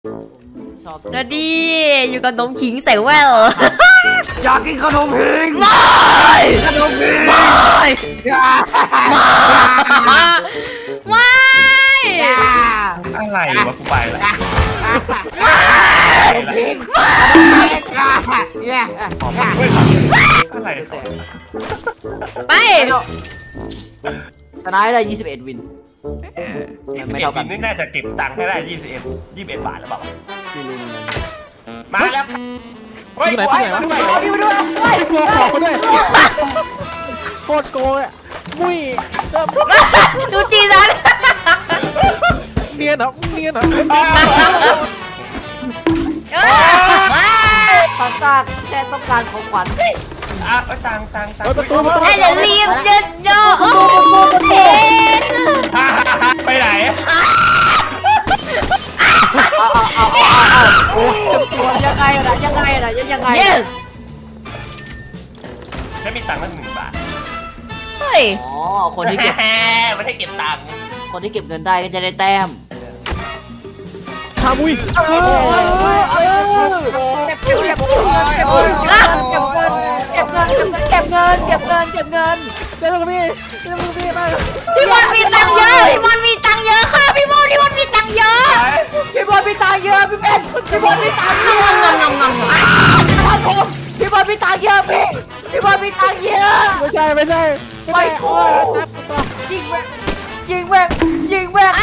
ชอบนาดีอยู่กับนมขิงใส่แววอยากกินขนมพิงไม่ขนมพิงไม่ไม่อะไรวะกูไปละพิงเนี่ยอะไรไปชนะได้21วิน ไม่เท่ากันนี่น่าจะเก็บตังค์ให้ได้21 บาทแล้วเปล่าไม่รู้เหมือนกันมาแล้วเฮ้ยที่ไหนที่ไหนวะพี่มาด้วยเฮ้ยโกงของมาด้วยโคตรโกงอ่ะมุ้ยดูจีซันเนียนเหรอเนียนเหรอฟันตาแค่ต้องการของขวัญอ่ะตังค์ประตูประตูไอ้เดี๋ยวรีบเดินโยโอ้เพนไปไหนตัวยังไงล่ะยังไงล่ะยังไงเนี่ยฉันมีตังค์ตั้ง1 บาทเฮ้ยอ๋อคนที่เก็บไม่ได้เก็บตังค์คนที่เก็บเงินได้ก็จะได้แต้มทามุ้ยเก็บเงินเก็บเงินเก็บเงินเก็บเงินเก็บเงินเก็บเงินเก็บเงินเจ้าลูกพี่เจ้าลูกพี่ไปพี่บอลมีตังค์เยอะพี่บอลมีตังค์เยอะค่ะพี่บอลมีตังค์เยอะพี่บอลมีตังค์เยอะพี่เป็นพี่บอลมีตังค์เยอะ ครับผมพี่บอลมีตังค์เยอะพี่บอลมีตังค์เยอะไม่ใช่ยิงแม่งยิงแม่งยิงแม่ง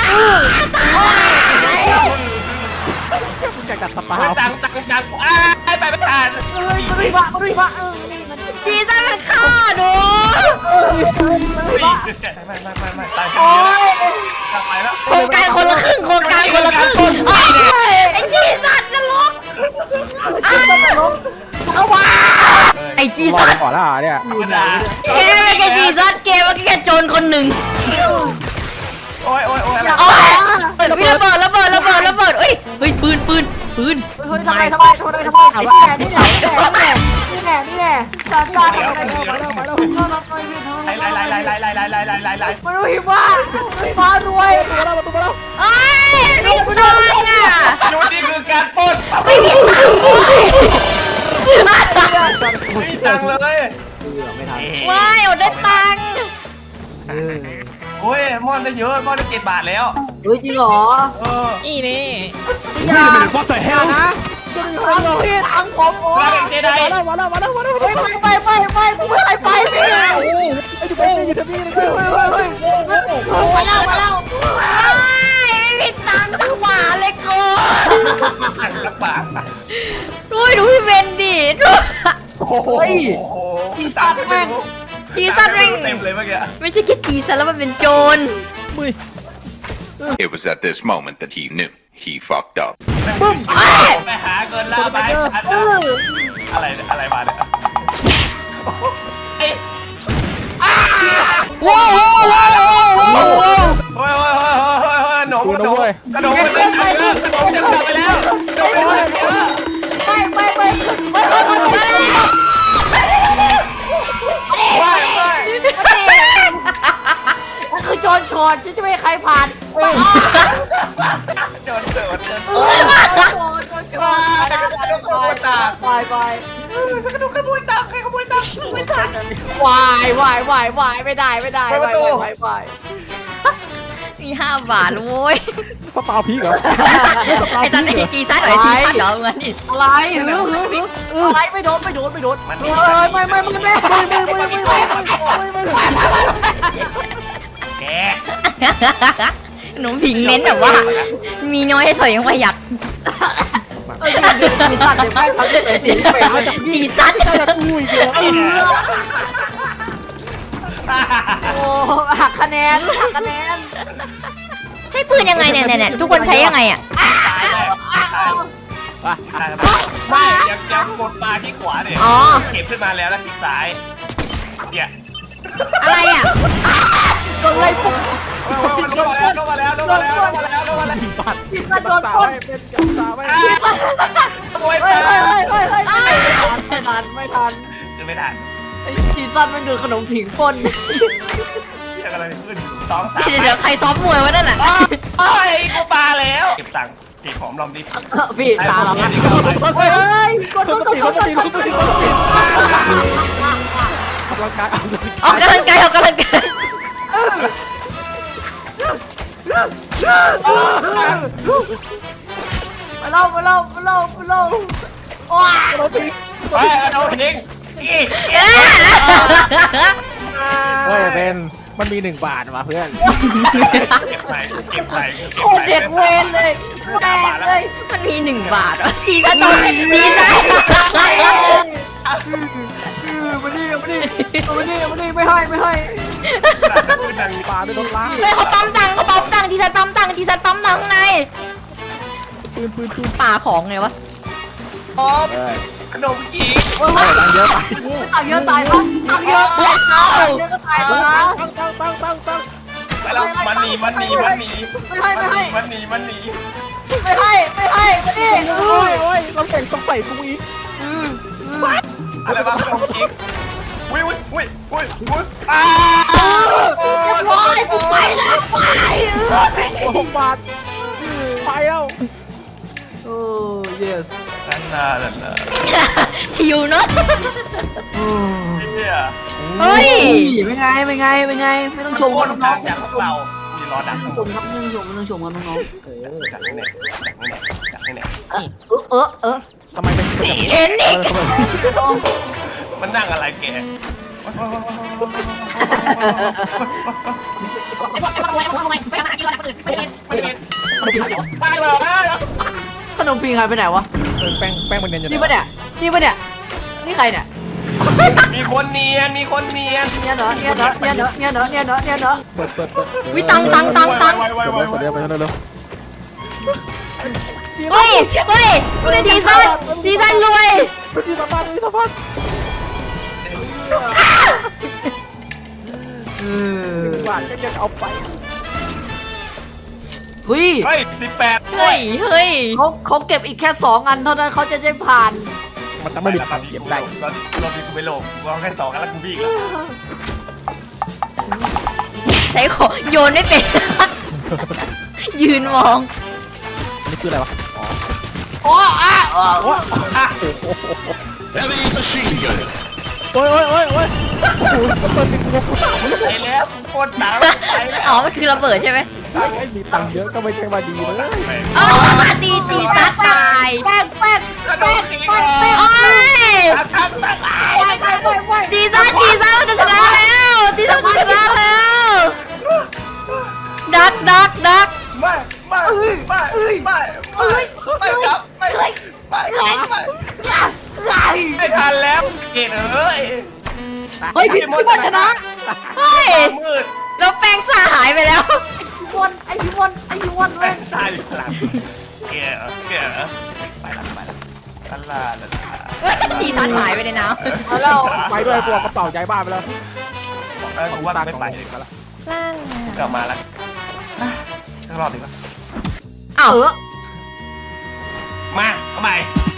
มึงจะกัดสปาตังค์ไปไม่ทันมันรีบะนี่มันจีซันมันฆ่าหนูไม่ตายฉันโอ้เยอะยกลับไปแล้วโครงการคนละครึ่งไอ้จีซันจะลุกเอาวะไอ้จีซันก่อนละเนี่ยแกไม่แกจีซันแกว่าแกโจรคนหนึ่งโอ้ยเอาวิระเบิดเอ้ยเฮ้ยปืนเฮ้ยทำไมนี่แน่ซาซาทำไมมันรู้หิมะฟ้ารวยประตูมาแล้วเอ้ยลูกน้อยอ่ะดูนี่คือการปล้นไม่มีตังค์ไม่ตังเลยไม่ทันว้ายเอาได้ตังค์โอ้ยมอนได้เยอะมอนได้7 บาทแล้วเฮ้ยจริงเหรออีนี่อย่า What the hell นะพี่ทังผมโอ้มาเป็นเจไดมาแล้วไปกูไม่เคยไปพี่ไอ้ดูเป็นอยู่ที่นี่เลยมาแล้วไม่มีตังค์สักบาทเลยกูสักบาทดูพี่เบนดิดูโอ้โหตังค์แม่งจีซันเร่งเต็มเลยเมื่อกี้ไม่ใช่แค่จีซันแล้วมันเป็นโจรมุ้ย It was at this moment that he knew he fucked up. ไปหาเงินล่าไปอะไรมาเนี่ยว้าวโอ้ยหนมมันจะไปแล้วนั่นคือโจรชนฉันจะไม่ให้ใครผ่านจนเกิดไปกระดูกขโมยตังค์วายไม่ได้ไปมี5 บาทโว้ยสปาพีกเหรอไอ้จันไอ้จีซันเหรอจีซันเหรอเงินนี่อะไรอะไรไม่โดนไม่แกหนูผิงเน้นแบบว่า มีน้อยให้สอยยังประหยัดจีซันมุ้ยเดียวโอ้หักคะแนนใช้ปืนยังไงเนี่ยทุกคนใช้ยังไงอ่ะไม่ยังกดมาที่ขวาเนี่ยอ๋อเก็บขึ้นมาแล้วแล้วคลิกซ้ายเนี่ยอะไรอ่ะโดนไล่ปุ๊บลงมาแล้วผิดมาโดนปล้นเป็นกับสาวไม่โอ้ยไม่ทันคือไม่ทันไอ้ชีซันมันดูขนมผิงปล้นอะไรขึ้น2 3 เดี๋ยวใครซ้อมมวยวะนั่นน่ะโอ้ยกูปาแล้วเก็บตังค์กี่หอมลองดิพี่ตาเราเฮ้ยกดคนตีคนตีคนตีคนตีกำลังกายออกกำลังกายออกกำลังกายมาเล่าว้าไปเอาทิ้งอีกเฮ้ยเป็นมันมี1 บาทว่ะเพื่อนเก็บไปเก็บไปโคตรเด็กเวรเลยแม่งเลยมันมี1 บาทเหรอจีซันตอนจีซันมาดิไม่ให้ปลาด้วยรถล้างเฮ้ยเขาปั๊มตังค์จีซันปั๊มตังค์ข้างในปืนป่าของไงวะหอมขนมจีบตังเยอะไปตังเยอะตายแล้วตังเยอะก็ตายแล้วนะตั้งไปแล้วมันหนีไม่ให้ไม่ให้มาดิโอ้ยเราแข่งต้องใส่กูอีกอะไรบ้างขนมจีบอุ้ยอ้าร้อยกูไปแล้วไป 6 บาทไปแล้วโอ้ yes นั่นน่ะชิวเนอะเนี่ยเฮ้ยไม่ไงไม่ต้องชมคกันนน้ดัองงอย่างพวกเรามีรอดักทั้งหมชดมครับไม่ต้องชมกันน้องดักนี่เนี่ยทำไมเป็นเห็นอีกมันนั่งอะไรแกไปเลยขนมปีงหายไปไหนวะแป้งมันเนียนอยู่นี่ปะเนี่ยนี่ใครเนี่ยมีคนเนียนเนี่ยเนาะเปิดวิตังไวเปิดเร็วไปเร็วเฮ้ยจีซันรวยพี่สะพัด บาทก็ยังเอาไปเฮ้ยเฮ้ย18 เฮ้ยเขาเก็บอีกแค่2 อันเท่านั้นเขาจะได้ผ่านมันต้องไม่มีทางเก็บได้เราที่กูไม่โลภวางแค่2กันแล้วกูพี่อีกแล้วใช้ของโยนไม่เป็น ยืนมองนี่คืออะไรวะอ๋อ Heavy machine gun. โอ้ยเปิดเป็นกูถามไปแล้วกูโคตรหนาวไปแล้วอ๋อ มันคือระเบิดใช่ไหมไอ้มีตังค์เยอะก็ไม่ใช่ว่าดีเลยอ๋อจีซันตายแป้งกระโดดตีก่อนโอ้ยทักจีซันมันจะชนะแล้วจีซันจะชนะแล้วดักไม่ครับไม่ทันแล้วเกตเอ้ยเฮ้ยพี่บอลชนะเฮ้ยมืดแล้วแป้งซ่าหายไปแล้วไอพี่บอลเลแม่ยงตายอยู่หลังเกตไปละจีซันหายไปในน้มาแล้วไปด้วยตัวกระเป๋าย้ายบ้านไปแล้วกูว่าไม่ไปดีกว่าำกลับมาแล้วสักรอบดีกว่าอ้าวมาเอาใหม่